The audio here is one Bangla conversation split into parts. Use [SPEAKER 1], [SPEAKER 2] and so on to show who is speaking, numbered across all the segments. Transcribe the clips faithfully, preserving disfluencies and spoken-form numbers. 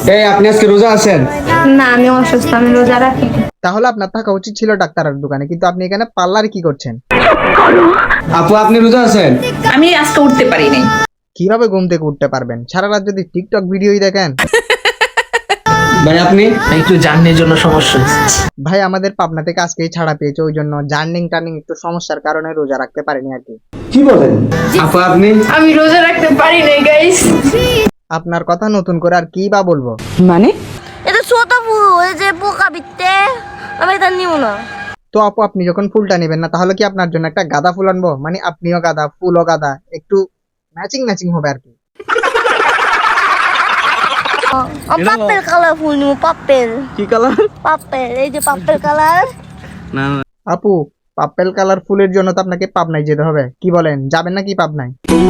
[SPEAKER 1] এই আপনি আজকে রোজা আছেন?
[SPEAKER 2] না, আমি অসুস্থ, আমি রোজা রাখি।
[SPEAKER 3] তাহলে আপনার থাকা উচিত ছিল ডাক্তারের দোকানে, কিন্তু আপনি এখানে পার্লারে কি করছেন?
[SPEAKER 1] আপু আপনি রোজা আছেন?
[SPEAKER 4] আমি আজকে উঠতে পারি নাই।
[SPEAKER 3] কিভাবে ঘুম থেকে উঠতে পারবেন? সারা রাত যদি টিকটক ভিডিওই দেখেন।
[SPEAKER 1] ভাই আপনি
[SPEAKER 5] একটু জার্নির জন্য সমস্যা হচ্ছে।
[SPEAKER 3] ভাই আমাদের পাবনা থেকে আজকেই ছাড়া পেয়েছে, ওই জন্য জার্নিং টার্নিং একটু সমস্যার কারণে রোজা রাখতে পারিনি আর কি।
[SPEAKER 1] কি বলেন? আপু আপনি
[SPEAKER 2] আমি রোজা রাখতে পারি নাই গাইস।
[SPEAKER 3] আপনার কথা নতুন করে আর কি বা বলবো।
[SPEAKER 6] মানে
[SPEAKER 7] এটা ছোট ফুল, এই যে পোকা বিতে আমি এটা নিব না।
[SPEAKER 3] তো আপু আপনি যখন ফুলটা নেবেন না, তাহলে কি আপনার জন্য একটা গাঁদা ফুল আনবো? মানে আপনিও গাঁদা, ফুলও গাঁদা, একটু ম্যাচিং ম্যাচিং হবে আর কি।
[SPEAKER 7] পাপ্পেল কালার ফুল নিব, পাপ্পেল।
[SPEAKER 5] কি কালার?
[SPEAKER 7] পাপ্পেল, এই যে পাপ্পেল কালার।
[SPEAKER 5] না
[SPEAKER 3] আপু পার্পেল কালার ফুলের জন্য তো আপনাকে পাবনায় যেতে হবে, কি বলেন, যাবেন নাকি পাবনায়?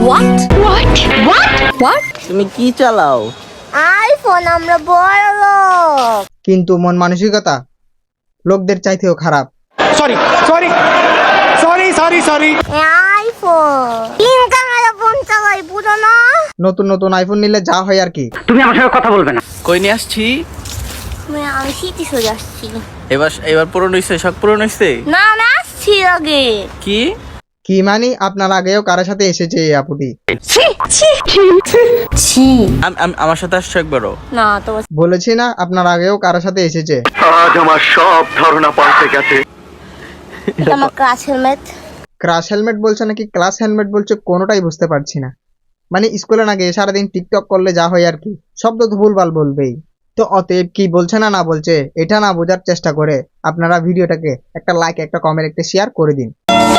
[SPEAKER 5] তুমি কি চালাও?
[SPEAKER 7] আইফোন, আমরা বড় লোক।
[SPEAKER 3] কিন্তু মন মানসিকতা লোকদের চাইতেও খারাপ।
[SPEAKER 7] আইফোন তিন ক্যামেরা ফোন চালাই, বুঝো না?
[SPEAKER 3] নতুন নতুন আইফোন নিলে যা হয় আর কি।
[SPEAKER 5] কই নিয়ে আসছি?
[SPEAKER 7] আমি আমি সিটি সোজা আসছি।
[SPEAKER 5] এবার এবার পূরণ হইছে, শখ পূরণ হইছে?
[SPEAKER 7] না, আমি আসছি আগে।
[SPEAKER 5] কি
[SPEAKER 3] কি মানি আপনার আগেও কারোর সাথে এসেছে এই আপুটি?
[SPEAKER 7] ছি,
[SPEAKER 5] আম- আম- আমার সাথে আসছো একবারও?
[SPEAKER 7] না তো
[SPEAKER 3] বলেছি না আপনার আগেও কারোর সাথে এসেছে।
[SPEAKER 7] এটা আমার ক্লাস হেলমেট।
[SPEAKER 3] ক্রাশ হেলমেট বলছে নাকি ক্লাস হেলমেট বলছে, কোনোটাই বুঝতে পারছি না। মানে স্কুলে না গিয়ে সারাদিন টিকটক করলে যা হয় আর কি, শব্দ তো ভুলভাল বলবেই। তো অতএব কি বলছে না না বলছে এটা না বোঝার চেষ্টা করে আপনারা ভিডিওটাকে একটা লাইক, একটা কমেন্ট, একটা শেয়ার করে দিন।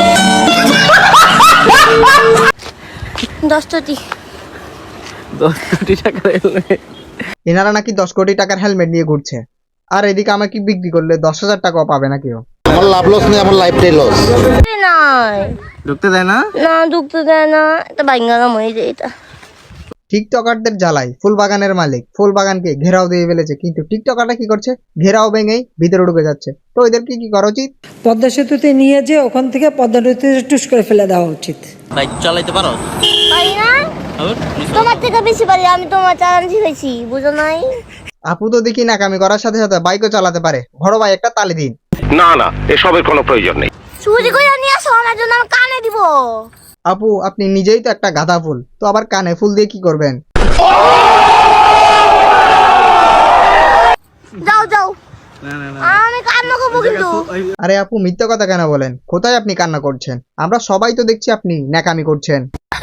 [SPEAKER 7] দশটি
[SPEAKER 5] দশ কোটি টাকা helmet।
[SPEAKER 3] এনারা নাকি দশ কোটি টাকার হেলমেট নিয়ে ঘুরছে, আর এদিকে আমাকে বিক্রি করলে দশ হাজার টাকাও পাবে না কেউ।
[SPEAKER 8] আমার লাভ লস নেই, আমার লাইফটাই লস।
[SPEAKER 7] নাই,
[SPEAKER 5] ঢুকতে দেয় না?
[SPEAKER 7] না ঢুকতে দেয় না। এটা বাইঙ্গালাম হয়ে যায় এটা।
[SPEAKER 3] টিকটকারদের জ্বালাই ফুল বাগানের মালিক ফুল বাগানকে ঘেরাও দিয়ে ফেলেছে, কিন্তু টিকটকাররা কি করছে, ঘেরাও ভেঙেই ভিতরে ঢুকে যাচ্ছে। তো এদেরকে কি করা উচিত?
[SPEAKER 6] পদ্মা সেতুতে নিয়ে যে ওখান থেকে পদ্মা নদীতে টুস করে ফেলে দেওয়া উচিত।
[SPEAKER 5] বাইক চালাইতে পারো?
[SPEAKER 7] পারি না,
[SPEAKER 5] আবার?
[SPEAKER 7] তোমার থেকে বেশি পারি, আমি তোমার চালান শিখেছি, বুঝো নাই?
[SPEAKER 3] আপু তো দেখি নাকামি করার সাথে সাথে বাইকও চালাতে পারে। বড় ভাই একটা তালি দিন।
[SPEAKER 8] না না, এসবের কোনো প্রয়োজন নেই।
[SPEAKER 7] চুরি করে নিয়ে আসো, আমার জন্য আমি কানে দিব।
[SPEAKER 3] আপু আপনি নিজেই তো একটা গাঁদা ফুল, তো আবার কানে ফুল দিয়ে কি করবেন?
[SPEAKER 7] যাও যাও, আমি কান্না করবো কিন্তু।
[SPEAKER 3] আরে আপু মিথ্যা কথা কেন বলেন? কোথায় আপনি কান্না করছেন? আমরা সবাই তো দেখছি আপনি ন্যাকামি করছেন।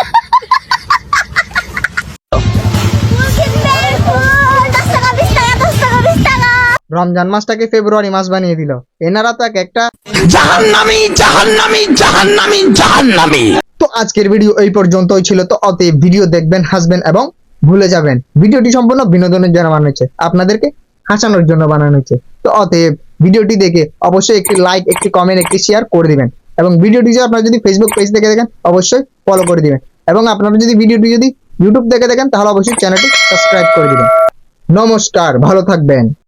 [SPEAKER 7] ফুল কিনবে, ফুল, দশ টাকা, বিশ টাকা, দশ টাকা, বিশ টাকা।
[SPEAKER 3] রমজান মাসটাকে ফেব্রুয়ারি মাস বানিয়ে দিল। এনারা তো এক একটা।
[SPEAKER 8] জাহান্নামী জাহান্নামী জাহান্নামী জাহান্নামী।
[SPEAKER 3] তো আজকের ভিডিও এই পর্যন্তই ছিল। তো অতএব ভিডিও দেখবেন, হাসবেন এবং ভুলে যাবেন। ভিডিওটি সম্পূর্ণ বিনোদনের জন্য বানানো হয়েছে, আপনাদেরকে হাসানোর জন্য বানানো হয়েছে। তো অতএব ভিডিওটি দেখে অবশ্যই একটি লাইক, একটি কমেন্ট, একটি শেয়ার করে দিবেন। এবং ভিডিওটি যদি আপনারা যদি ফেসবুক পেজ থেকে দেখেন অবশ্যই ফলো করে দিবেন। এবং আপনারা যদি ভিডিওটি যদি ইউটিউব থেকে দেখেন তাহলে অবশ্যই চ্যানেলটি সাবস্ক্রাইব করে দিবেন। নমস্কার, ভালো থাকবেন।